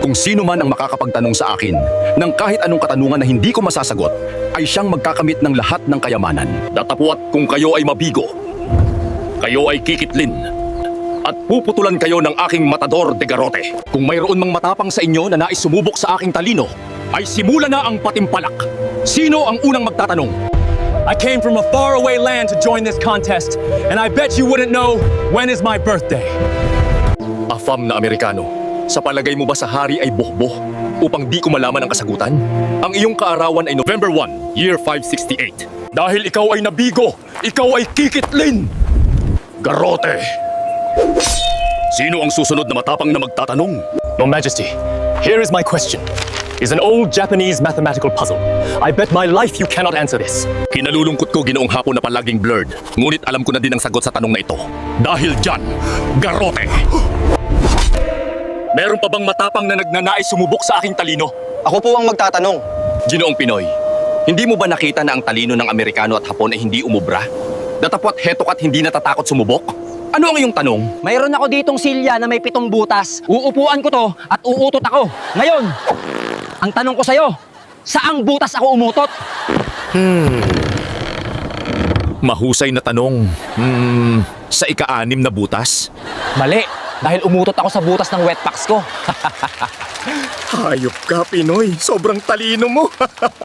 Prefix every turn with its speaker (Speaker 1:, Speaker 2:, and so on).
Speaker 1: Kung sino man ang makakapagtanong sa akin ng kahit anong katanungan na hindi ko masasagot, ay siyang magkakamit ng lahat ng kayamanan. Datapwat kung kayo ay mabigo, kayo ay kikitlin, at puputulan kayo ng aking matador de garrote. Kung mayroon mang matapang sa inyo na nais sumubok sa aking talino, ay simula na ang patimpalak. Sino ang unang magtatanong?
Speaker 2: I came from a faraway land to join this contest, and I bet you wouldn't know when is my birthday.
Speaker 1: Afam na Amerikano, sa palagay mo ba sa hari ay bohboh upang di ko malaman ang kasagutan? Ang iyong kaarawan ay November 1, year 568. Dahil ikaw ay nabigo, ikaw ay kikitlin! Garrote! Sino ang susunod na matapang na magtatanong?
Speaker 2: Your Majesty, here is my question. It's an old Japanese mathematical puzzle. I bet my life you cannot answer this.
Speaker 1: Kinalulungkot ko ginoong hapon na palaging blurred, ngunit alam ko na din ang sagot sa tanong na ito. Dahil dyan, garrote! Meron pa bang matapang na nagnanais sumubok sa aking talino?
Speaker 3: Ako po ang magtatanong.
Speaker 1: Ginoong Pinoy, hindi mo ba nakita na ang talino ng Amerikano at Hapon ay hindi umubra? Datapwat hetok at hindi natatakot sumubok? Ano ang iyong tanong?
Speaker 4: Mayroon ako ditong silya na may 7 butas. Uupuan ko to at uutot ako. Ngayon, ang tanong ko sa'yo, saang butas ako umutot?
Speaker 1: Mahusay na tanong. Sa ika-6 na butas?
Speaker 4: Mali, dahil umutot ako sa butas ng wetpacks ko.
Speaker 1: Hayop ka, Pinoy. Sobrang talino mo.